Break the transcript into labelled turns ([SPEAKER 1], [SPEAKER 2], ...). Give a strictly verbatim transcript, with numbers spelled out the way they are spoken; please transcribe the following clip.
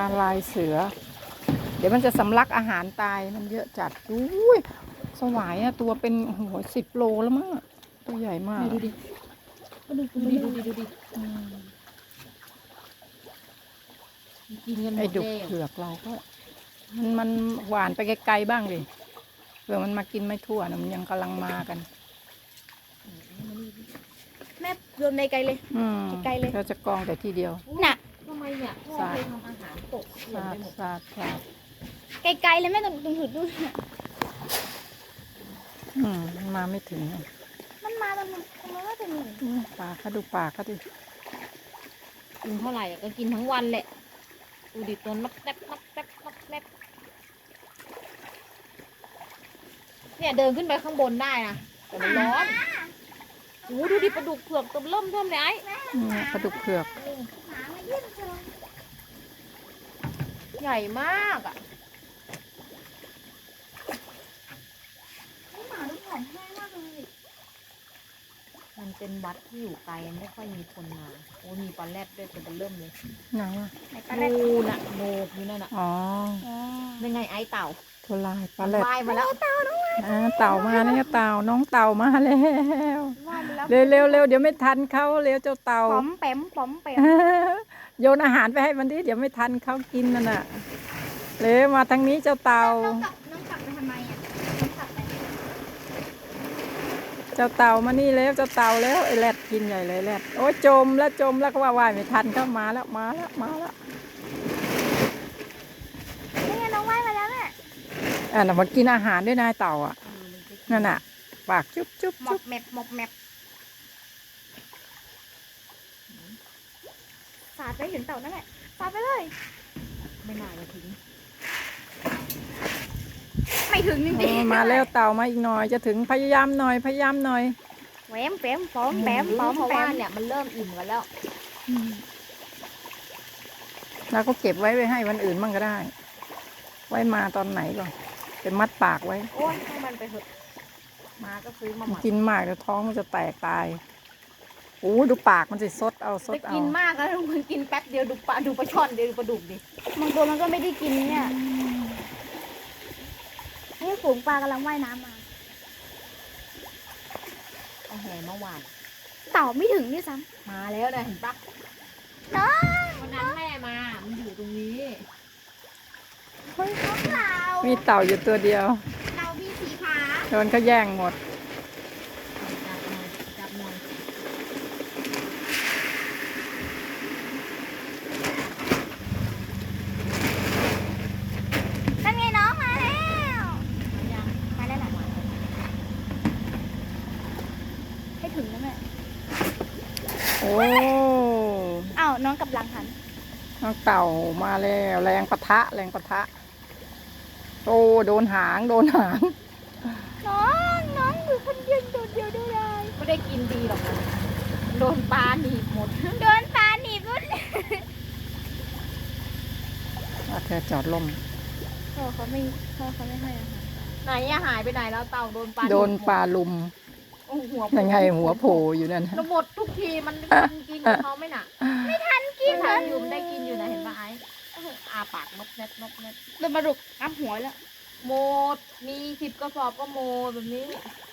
[SPEAKER 1] ลายเสือเดี๋ยวมันจะสำลักอาหารตายมันเยอะจัดอุ้ยสวายอะตัวเป็นโอ้โหสิบโลแล้วมั้งตัวใหญ่มาก
[SPEAKER 2] ดูดิดูดิดูดิดูดิกินกันหม
[SPEAKER 1] ไอ้
[SPEAKER 2] ด
[SPEAKER 1] ดุก
[SPEAKER 2] แล้ว
[SPEAKER 1] เผือกเราก็มันมันหวานไปไกลๆบ้างดิเผื่อมันมากินไม่ทั่วนะมันยังกำลังมากัน
[SPEAKER 3] แม่โยนไปไกลเลย
[SPEAKER 1] อืม
[SPEAKER 3] ไกลเลย
[SPEAKER 1] เราจะกองแต่ที่เดียว
[SPEAKER 3] น่ะ
[SPEAKER 2] ทำไมเนี่ยพ่อเคยทำอาหารตกเกลื่อน
[SPEAKER 1] สา
[SPEAKER 2] ไป
[SPEAKER 1] ด
[SPEAKER 2] หมด
[SPEAKER 1] สาดสาด
[SPEAKER 3] ไกลๆเลยแม่ตรงตรงหืดดูน่ะ
[SPEAKER 1] อืมมันมาไม่ถึงอะ
[SPEAKER 3] มันมาตรงนั้นตรงนั้นก็จะมี
[SPEAKER 1] อืมปากเขาดูปากเขาดิ
[SPEAKER 2] กินเท่าไหร่อะก็กินทั้งวันแหละดูดิตัวนับแนบนับแนบนับแนบเนี่ยเดินขึ้นไปข้างบนได้นะแต่มันร้อนโอ้ดูดิปลาดุกเผือกตัวเริ่มเทิมเลยไอ้
[SPEAKER 1] เนี่ยปลาดุกเผือก
[SPEAKER 3] หมามาเยี่ยมจัง
[SPEAKER 2] ใหญ่มากอ่ะ
[SPEAKER 3] หมาดูผอมแห้งมากเลย
[SPEAKER 2] มันเป็นวัดที่อยู่ไกลไม่ค่อยมีคนมาโอ้มีปลาแรดด้วยตัวเริ่มเลย
[SPEAKER 1] ไหนอ่ะ
[SPEAKER 3] ไหนปลาแรด
[SPEAKER 2] นูนน่ะโนกอยู่นั่นน่ะ
[SPEAKER 1] อ๋อ
[SPEAKER 3] อ๋อ
[SPEAKER 2] เป็นไงไอ้เต่า
[SPEAKER 1] ตัวลายปลาแรด
[SPEAKER 2] ว่ายมาแล้ว
[SPEAKER 1] อ่าเต่ามาแล้วเต่าน้องเต่ามาแล้ว
[SPEAKER 3] ว่าไปแล้ว
[SPEAKER 1] เร็วเร็วเร็วเดี๋ยวไม่ทันเขาเร็วเจ้าเต่า
[SPEAKER 3] ป๋อมแปมป๋อมแปม
[SPEAKER 1] โยนอาหารไปให้มันดิเดี๋ยวไม่ทันเขากินนั่นน่ะเร็วมาทางนี้เจ้าเต่า
[SPEAKER 3] น้องกลับน้องกลับไปทำไมอ่ะน้องกลับไป
[SPEAKER 1] เจ้าเต่ามานี่แล้วเจ้าเต่าแล้วไอ้แรดกินใหญ่เลยแรดโอ้ยจมแล้วจมแล้วก็ว่าว่ายไม่ทันเข้ามาแล้วมาแล้วมาแล้ว
[SPEAKER 3] นี่ไงน้องว่ายมาแล้วแม่
[SPEAKER 1] อ่าน่ะมันกินอาหารด้วยนายเต่าอ่ะนั่นน่ะปากจุ๊บจุ๊บ
[SPEAKER 3] หมอ
[SPEAKER 1] จุ๊
[SPEAKER 3] บบ แมบหมอบแมบสาดไปถึงเต่านั่นแหละสาดไปเลย
[SPEAKER 2] ไม่น่าจะถึง
[SPEAKER 3] ไม่ถึงจ
[SPEAKER 1] เอ
[SPEAKER 3] ริง
[SPEAKER 1] อ
[SPEAKER 3] ๆ
[SPEAKER 1] มาแล้วเต่ามาอีกหน่อยจะถึงพยายามหน่อยพยายามหน่อย
[SPEAKER 3] แหวมแปมป๋อมแปมป๋อม
[SPEAKER 2] เพราะ
[SPEAKER 3] แป
[SPEAKER 2] ว่าม เนี่ยมันเริ่มอิ่มกันแล้ว
[SPEAKER 1] แล้วก็เก็บไว้ไว้ให้วันอื่นมั่งก็ได้ ไว้มาตอนไหนก่อนเป็นมัดปากไว้
[SPEAKER 2] โอ้ยให้มันไปเถอะมาก็ซื้อมาหมัก
[SPEAKER 1] กินมากเดี๋ยวท้องมันจะแตกตายโอ้ดูปากมันสิซดเอาซด
[SPEAKER 2] จะ
[SPEAKER 1] เอา
[SPEAKER 2] กินมากแล้วมันกินแป๊บเดียวดูปลาดูปลาช่อนเดียวดูปลาดุกดิ
[SPEAKER 3] บางตัวมันก็ไม่ได้กินเนี่ยนี่ฝูงปลากำลังว่ายน้ำมา
[SPEAKER 2] เอาแหมาหวาน
[SPEAKER 3] เต่าไม่ถึงด้วยซ้
[SPEAKER 2] มาแล้วนะเห็นปะ
[SPEAKER 3] ำน้อง
[SPEAKER 2] วันนั้นแม่มา มันอยู่ตรงนี้
[SPEAKER 3] คนเขาเต่า
[SPEAKER 1] มีเต่าอยู่ตัวเดียว
[SPEAKER 3] เต่ามีสีขา
[SPEAKER 1] โดนเขาแย่งหมด
[SPEAKER 2] จับหน่อยจับหน่อย
[SPEAKER 3] นั่นไงน้องมาแล้ว
[SPEAKER 2] ยัง
[SPEAKER 3] มาแล้วแหละให้ถึงนะแม่
[SPEAKER 1] โอ้
[SPEAKER 3] อ้าวน้องกับหลังหัน
[SPEAKER 1] น้องเต่ามาแล้วแรงปะทะแรงปะทะโอ้โดนหางโดนหาง
[SPEAKER 3] น้องน้องอยู่คนเดียวโดดเดียวได้ไร
[SPEAKER 2] ไม่ได้กินดีหรอกนะโดนปลาหนีบหมด
[SPEAKER 3] โดนปลาหนีบรุ่น
[SPEAKER 1] อ่ะเธอจอดลม
[SPEAKER 3] พ่อเขาไม่พ่อเขาไม่ให้อาหาร
[SPEAKER 2] ไหนอะหายไปไหนแล้วเต่าโดนปลา
[SPEAKER 1] โดนปลาลุม
[SPEAKER 2] โอ้หัว
[SPEAKER 1] ยังไงหัวโผล่อยู่นั่น
[SPEAKER 2] เราหมดทุกทีมันกินกินกับเขาไหม่น่ะ
[SPEAKER 3] ไม่ทันกิน
[SPEAKER 2] ทั
[SPEAKER 3] เล
[SPEAKER 2] น
[SPEAKER 3] ย
[SPEAKER 2] อยู่มันได้กินอยู่นะเห็นปะไอ้อาปากนกเน็ตนกเน็ต
[SPEAKER 3] โดนปลาดุกน้ำหัวแล้ว
[SPEAKER 2] โมดมีสิบกระสอบก็โมดแบบนี้